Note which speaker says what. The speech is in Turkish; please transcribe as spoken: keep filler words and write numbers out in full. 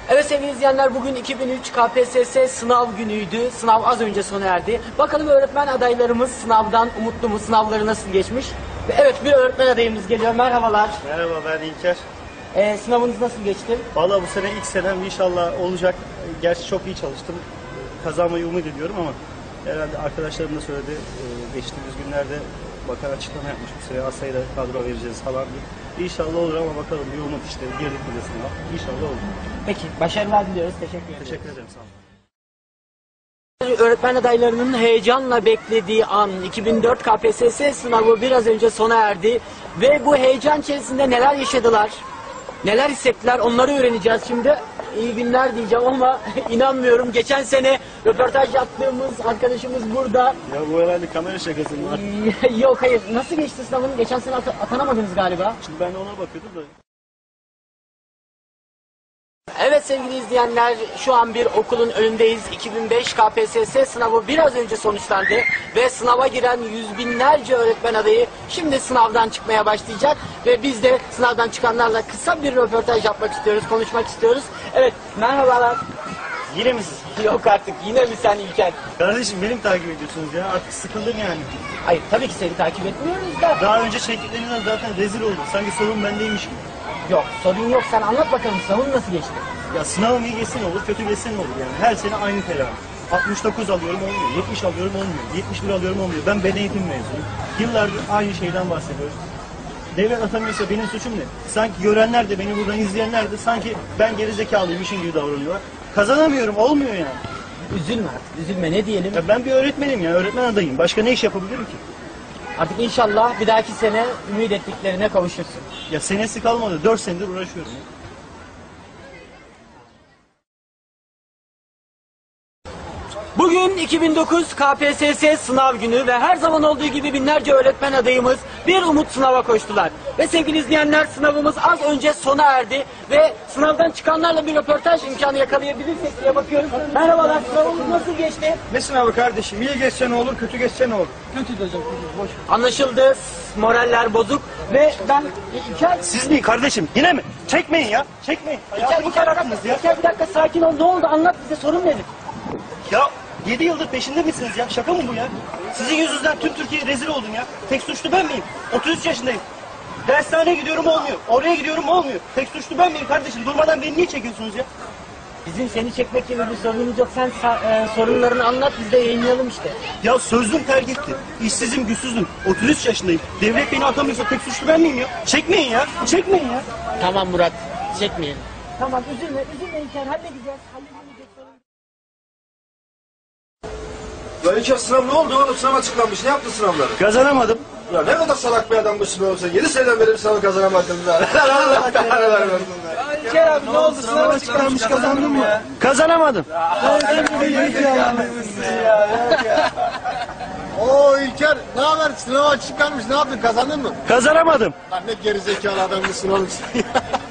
Speaker 1: Evet sevgili izleyenler, bugün iki bin üç K P S S sınav günüydü. Sınav az önce sona erdi. Bakalım öğretmen adaylarımız sınavdan umutlu mu? Sınavları nasıl geçmiş? Ve evet, bir öğretmen adayımız geliyor. Merhabalar.
Speaker 2: Merhaba, ben İlker.
Speaker 1: Ee, sınavınız nasıl geçti?
Speaker 2: Vallahi bu sene ilk senem, inşallah olacak. Gerçi çok iyi çalıştım. Kazanmayı umut ediyorum ama herhalde arkadaşlarım da söyledi. Geçtiğimiz günlerde bakan açıklama yapmış. Bu sene az sayıda kadro vereceğiz falan diye. İnşallah olur ama bakalım, bir umut işte. Girdik bir de sınav. İnşallah olur.
Speaker 1: Peki, başarılar diliyoruz. Teşekkür ederim.
Speaker 2: Teşekkür ederim, sağ olun.
Speaker 1: Öğretmen adaylarının heyecanla beklediği an, iki bin dört K P S S sınavı biraz önce sona erdi ve bu heyecan içerisinde neler yaşadılar, neler hissettiler, onları öğreneceğiz şimdi. İyi günler diyeceğim ama inanmıyorum. Geçen sene röportaj yaptığımız arkadaşımız burada.
Speaker 2: Ya bu herhalde kamera şakası mı var?
Speaker 1: Yok, hayır. Nasıl geçti sınavın? Geçen sene at atanamadınız galiba.
Speaker 2: Şimdi ben de ona bakıyordum da.
Speaker 1: Evet sevgili izleyenler, şu an bir okulun önündeyiz. iki bin beş K P S S sınavı biraz önce sonuçlandı ve sınava giren yüz binlerce öğretmen adayı şimdi sınavdan çıkmaya başlayacak ve biz de sınavdan çıkanlarla kısa bir röportaj yapmak istiyoruz, konuşmak istiyoruz. Evet, merhabalar.
Speaker 2: Yine mi siz?
Speaker 1: Yok artık, yine mi sen İlker?
Speaker 2: Kardeşim, benim takip ediyorsunuz ya. Artık sıkıldım yani.
Speaker 1: Hayır, tabii ki seni takip etmiyoruz da.
Speaker 2: Daha önce çektiklerinden zaten rezil oldum. Sanki sorun bendeymiş gibi.
Speaker 1: Yok, sorun yok. Sen anlat bakalım, sınavın nasıl geçti?
Speaker 2: Ya sınavım iyi geçse ne olur, kötü geçse ne olur yani. Her sene aynı telaş. altmış dokuz alıyorum olmuyor, yetmiş alıyorum olmuyor, yetmiş bir alıyorum olmuyor. Ben beden eğitim mezunuyum. Yıllardır aynı şeyden bahsediyoruz. Devlet atamıyorsa benim suçum ne? Sanki görenler de, beni buradan izleyenler de sanki ben gerizekalıymışım gibi davranıyorlar. Kazanamıyorum, olmuyor yani.
Speaker 1: Üzülme artık, üzülme. Ne diyelim?
Speaker 2: Ya ben bir öğretmenim ya, öğretmen adayım. Başka ne iş yapabilirim ki?
Speaker 1: Artık inşallah bir dahaki sene ümit ettiklerine kavuşursun.
Speaker 2: Ya senesi kalmadı, dört senedir uğraşıyorum ya.
Speaker 1: Bugün iki bin dokuz K P S S sınav günü ve her zaman olduğu gibi binlerce öğretmen adayımız bir umut sınava koştular. Ve sevgili izleyenler, sınavımız az önce sona erdi ve sınavdan çıkanlarla bir röportaj imkanı yakalayabilirsek diye bakıyoruz. Merhabalar, sınavımız nasıl geçti?
Speaker 3: Ne sınavı kardeşim? İyi geçse ne olur, kötü geçse ne olur?
Speaker 1: Kötü de hocam, boş. Anlaşıldı, moraller bozuk ve ben İlker...
Speaker 2: Siz mi kardeşim? Yine mi? Çekmeyin ya, çekmeyin.
Speaker 1: İlker,
Speaker 2: Hayatımı
Speaker 1: İlker,
Speaker 2: kararttınız ya.
Speaker 1: İlker, bir dakika sakin ol, ne oldu, anlat bize, sorun nedir?
Speaker 2: Ya yedi yıldır peşinde misiniz ya? Şaka mı bu ya? Sizin yüzünüzden tüm Türkiye rezil oldum ya. Tek suçlu ben miyim? otuz üç yaşındayım. Dershaneye gidiyorum olmuyor. Oraya gidiyorum olmuyor. Tek suçlu ben miyim kardeşim? Durmadan beni niye çekiyorsunuz ya?
Speaker 1: Bizim seni çekmek gibi bir sorunumuz yok. Sen e, sorunlarını anlat, biz de yayınlayalım işte.
Speaker 2: Ya sözlüm terk etti. İşsizim, güçsüzüm. otuz üç yaşındayım. Devlet beni atamıyorsa tek suçlu ben miyim ya? Çekmeyin ya. Çekmeyin ya.
Speaker 1: Tamam Murat, çekmeyelim. Tamam, üzülme, üzülme İlker, halledeceğiz. Halledeceğiz.
Speaker 3: Ya İlker, sınav ne oldu oğlum? Sınav açıklanmış. Ne yaptın sınavları?
Speaker 2: Kazanamadım.
Speaker 3: Ya ne kadar salak bir adammışsın oğlum sen. yedi seneden beri bir sınavı kazanamadın. Allah kahretsin vermesin.
Speaker 1: İlker abi ne oldu? Sınav açıklanmış, kazandın mı?
Speaker 2: Kazanamadım.
Speaker 3: Oo İlker, ne haber? Sınav açıklanmış. Ne yaptın? Kazandın mı?
Speaker 2: Kazanamadım.
Speaker 3: Lan ne gerizekalı adammışsın oğlum sen.